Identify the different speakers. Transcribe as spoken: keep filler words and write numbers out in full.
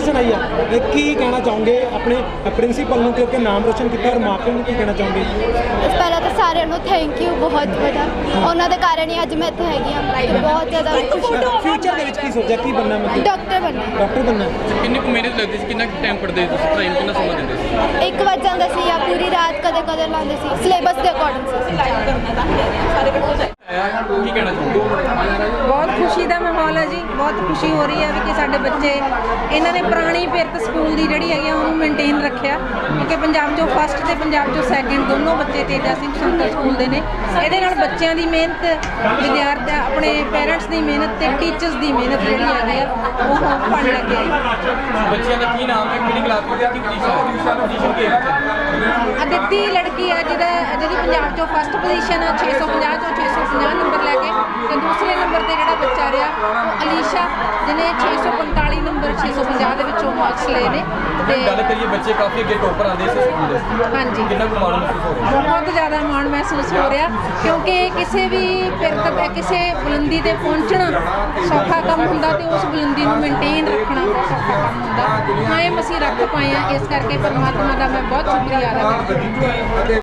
Speaker 1: Position ਆਈ ਹੈ, ਕੀ ਕਹਿਣਾ ਚਾਹੋਗੇ ਆਪਣੇ ਪ੍ਰਿੰਸੀਪਲ ਨੂੰ, ਕਿਉਂਕਿ ਨਾਮ ਰੋਸ਼ਨ ਕੀਤਾ, ਔਰ ਮਾਪਿਆਂ ਨੂੰ ਕੀ ਕਹਿਣਾ ਚਾਹੋਗੇ?
Speaker 2: ਪਹਿਲਾਂ ਤਾਂ ਸਾਰਿਆਂ ਨੂੰ ਥੈਂਕ ਯੂ, ਬਹੁਤ ਵੱਡਾ ਉਹਨਾਂ ਦੇ ਕਾਰਨ ਹੀ ਅੱਜ ਮੈਂ ਇੱਥੇ ਹੈਗੀ ਹਾਂ ਤੇ ਬਹੁਤ ਜ਼ਿਆਦਾ ਖੁਸ਼ੀ।
Speaker 1: ਫਿਊਚਰ ਦੇ ਵਿੱਚ ਕੀ ਸੋਚਿਆ, ਕੀ ਬਣਨਾ ਮਤਲਬ?
Speaker 2: ਡਾਕਟਰ ਬਣਨਾ।
Speaker 1: ਡਾਕਟਰ ਬਣਨਾ।
Speaker 3: ਕਿੰਨੀ ਕੁ ਮਿਹਨਤ ਲੱਗਦੀ ਸੀ, ਕਿੰਨਾ ਟਾਈਮ ਪੜ੍ਹਦੇ ਸੀ ਤੁਸੀਂ, ਪੜ੍ਹਾਈ ਨੂੰ ਕਿੰਨਾ ਸਮਾਂ ਦਿੰਦੇ ਸੀ?
Speaker 2: ਇੱਕ ਵੱਜ ਜਾਂਦਾ ਸੀ ਜਾਂ ਪੂਰੀ ਰਾਤ ਕਦੇ ਕਦੇ ਲਾਉਂਦੇ ਸੀ, ਸਿਲੇਬਸ ਦੇ ਅਕੋਰਡਿੰਗ ਸੀ।
Speaker 3: ਕੀ ਕਹਿਣਾ ਚਾਹੁੰਦੇ?
Speaker 4: ਬਹੁਤ ਖੁਸ਼ੀ ਦਾ ਮਾਹੌਲ ਹੈ ਜੀ, ਬਹੁਤ ਖੁਸ਼ੀ ਹੋ ਰਹੀ ਹੈ ਵੀ ਕਿ ਸਾਡੇ ਬੱਚੇ ਇਹਨਾਂ ਨੇ ਪੁਰਾਣੀ ਪਿਰਤ ਸਕੂਲ ਦੀ ਜਿਹੜੀ ਹੈਗੀ ਆ ਉਹਨੂੰ ਮੇਨਟੇਨ ਰੱਖਿਆ, ਕਿਉਂਕਿ ਪੰਜਾਬ 'ਚੋਂ ਫਸਟ ਤੇ ਪੰਜਾਬ 'ਚੋਂ ਸੈਕਿੰਡ ਦੋਨੋਂ ਬੱਚੇ ਤੇਜਾ ਸਿੰਘ ਸੰਤਰ ਸਕੂਲ ਦੇ ਨੇ। ਇਹਦੇ ਨਾਲ ਬੱਚਿਆਂ ਦੀ ਮਿਹਨਤ, ਵਿਦਿਆਰਥੀ ਆਪਣੇ ਪੇਰੈਂਟਸ ਦੀ ਮਿਹਨਤ ਤੇ ਟੀਚਰਸ ਦੀ ਮਿਹਨਤ ਜਿਹੜੀ ਹੈਗੀ ਆ ਉਹ ਫਲ ਲੱਗੇ।
Speaker 3: ਬੱਚਿਆਂ ਦਾ ਕੀ ਨਾਮ ਹੈ, ਕਿਹੜੀ ਕਲਾਸ ਵਿੱਚ, ਕੀ ਪੋਜੀਸ਼ਨ ਪੋਜੀਸ਼ਨ ਕੀ ਹੈ?
Speaker 4: ਅਦਿੱਤੀ ਲੜਕੀ ਹੈ ਜਿਹਦਾ ਜਿਹਦੀ ਪੰਜਾਬ 'ਚੋਂ ਫਸਟ ਪੋਜੀਸ਼ਨ ਆ, ਛੇ ਸੌ ਪੰਜਾਹ ਚੋਂ ਛੇ ਸੌ ਪੰਜਾਹ ਨੰਬਰ ਲੈ ਕੇ, ਤੇ ਦੂਸਰੇ ਨੰਬਰ ਤੇ ਜਿਹੜਾ ਬੱਚਾ ਰਿਹਾ ਉਹ ਅਲੀਸ਼ਾ ਜਿਹਨੇ ਛੇ ਸੌ ਪੰਤਾਲੀ ਨੰਬਰ ਛੇ ਸੌ ਪੰਜਾਹ ਦੇ ਵਿੱਚੋਂ ਮਾਰਕਸ ਲਏ ਨੇ।
Speaker 3: ਤੇ ਗੱਲ ਕਰੀਏ ਬੱਚੇ ਕਾਫੀ ਅੱਗੇ ਟੋਪਰ ਆਉਂਦੇ ਸੀ ਸਕੂਲ ਦੇ,
Speaker 4: ਹਾਂਜੀ
Speaker 3: ਕਿੰਨਾ ਕੁ ਮਾਣ ਮਹਿਸੂਸ ਹੋ ਰਿਹਾ?
Speaker 4: ਬਹੁਤ ਜ਼ਿਆਦਾ ਮਾਣ ਮਹਿਸੂਸ ਹੋ ਰਿਹਾ, ਕਿਉਂਕਿ ਕਿਸੇ ਵੀ ਪਿਰਤ ਤੇ ਕਿਸੇ ਬੁਲੰਦੀ ਤੇ ਪਹੁੰਚਣਾ ਸੌਖਾ ਕੰਮ ਹੁੰਦਾ ਤੇ ਉਸ ਬੁਲੰਦੀ ਨੂੰ ਮੇਨਟੇਨ ਰੱਖਣਾ ਬਹੁਤ ਸੌਖਾ ਕੰਮ ਹੁੰਦਾ। ਕਾਇਮ ਅਸੀਂ ਰੱਖ ਪਾਏ ਹਾਂ, ਇਸ ਕਰਕੇ ਪਰਮਾਤਮਾ ਦਾ ਮੈਂ ਬਹੁਤ ਸ਼ੁਕਰੀਆ ਅਦਾ ਕਰਦੀ ਹਾਂ।